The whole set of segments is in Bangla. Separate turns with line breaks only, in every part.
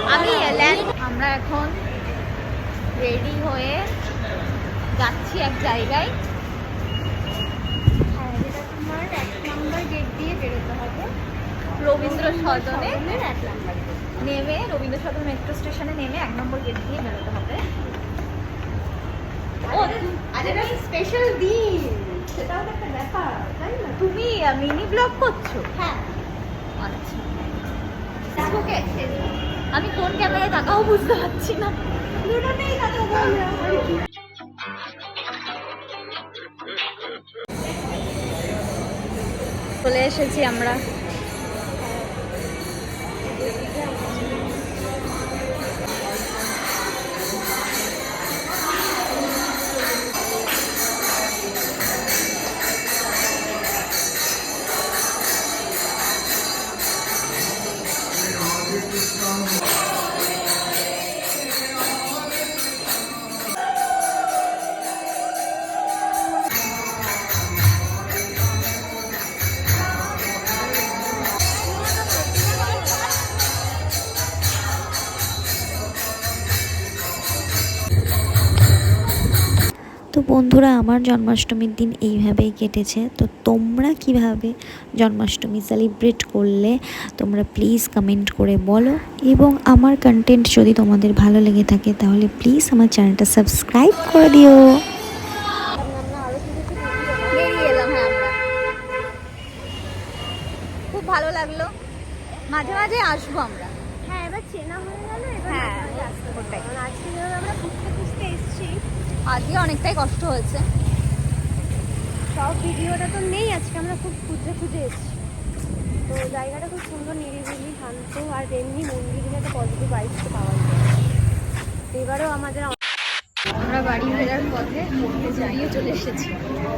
আমি এলেন, আমরা এখন রেডি হয়ে যাচ্ছি এক জায়গায়।
হ্যাঁ, যেটা তোমার 1 নম্বর গেট দিয়ে বেরোতে হবে।
রবীন্দ্র সদনে
1 নম্বর
নেমে, রবীন্দ্র সদন মেট্রো স্টেশনে নেমে 1 নম্বর গেট দিয়ে বেরোতে হবে। ও
আজ একটা স্পেশাল দিন, সেটাও তো একটা ব্যাপার, তাই না?
তুমি মিনি ব্লগ করছো?
হ্যাঁ,
আচ্ছা, ফেসবুকে আমি কোন ক্যামেরায় তাকাও বুঝতে পারছি না।
দুটোতেই কথা বলবো।
চলে এসেছি আমরা।
তো বন্ধুরা, আমার জন্মাষ্টমীর দিন এইভাবেই কেটেছে। তো তোমরা কিভাবে জন্মাষ্টমী সেলিব্রেট করলে তোমরা প্লিজ কমেন্ট করে বলো, এবং আমার কন্টেন্ট যদি তোমাদের ভালো লেগে থাকে তাহলে প্লিজ আমার চ্যানেলটা সাবস্ক্রাইব করে দিও।
বেরিয়ে এলাম। হ্যাঁ, আমরা খুব ভালো লাগলো, মাঝে মাঝে আসবো আমরা।
হ্যাঁ, এবার চেনা হয়ে গেল, এবার
হ্যাঁ,
মাঝে মাঝে আসতে হবে।
ওটাই।
কারণ আজকে যেভাবে আমরা খুঁজতে খুঁজতে এসেছি,
আজকে অনেকটাই কষ্ট হয়েছে।
সব ভিডিওটা তো নেই, আজকে আমরা খুব খুঁজে খুঁজে এসেছি। তো জায়গাটা খুব সুন্দর, নিরিবিলি, শান্ত, আর এমনি মন্দিরে একটা পজিটিভ ভাইবস পাওয়া যায়। এবারেও আমাদের
আমরা বাড়ি ফেরার পথে জড়িয়ে চলে এসেছি।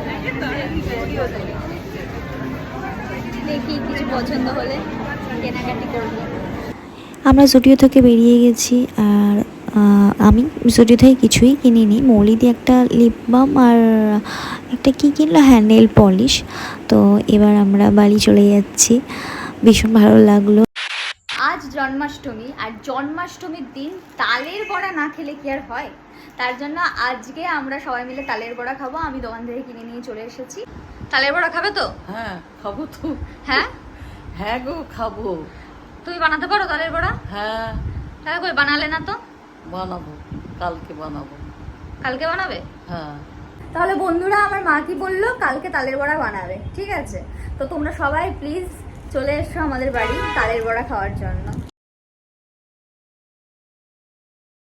দেখি কিছু পছন্দ হলে কেনাকাটি করবো।
আমরা জুডিও থেকে বেরিয়ে গেছি, আর আমি জুডিও থেকে কিছুই কিনিনি। মৌলি দিয়ে একটা লিপ বাম আর একটা কী কিনলো, হ্যাঁ, নেল পলিশ। তো এবার আমরা বাড়ি চলে যাচ্ছি, ভীষণ ভালো লাগলো।
আজ জন্মাষ্টমী, আর জন্মাষ্টমীর দিন তালের বড়া না খেলে কি আর হয়? তার জন্য আজকে আমরা সবাই মিলে তালের বড়া খাবো। আমি দোকান থেকে কিনে নিয়ে চলে এসেছি। তালের বড়া খাবে তো?
হ্যাঁ, খাবো তো।
হ্যাঁ,
হ্যাঁ গো, খাবো।
তুমি বানাতে পারো তালের বড়া?
হ্যাঁ,
তাহলে কই বানালে না তো?
বানাবো, কালকে বানাবো।
কালকে বানাবে?
হ্যাঁ।
তাহলে বন্ধুরা, আমার মা কি বললো, কালকে তালের বড়া বানাবে, ঠিক আছে? তো তোমরা সবাই প্লিজ চলে এসো আমাদের বাড়ি তালের বড়া খাওয়ার জন্য।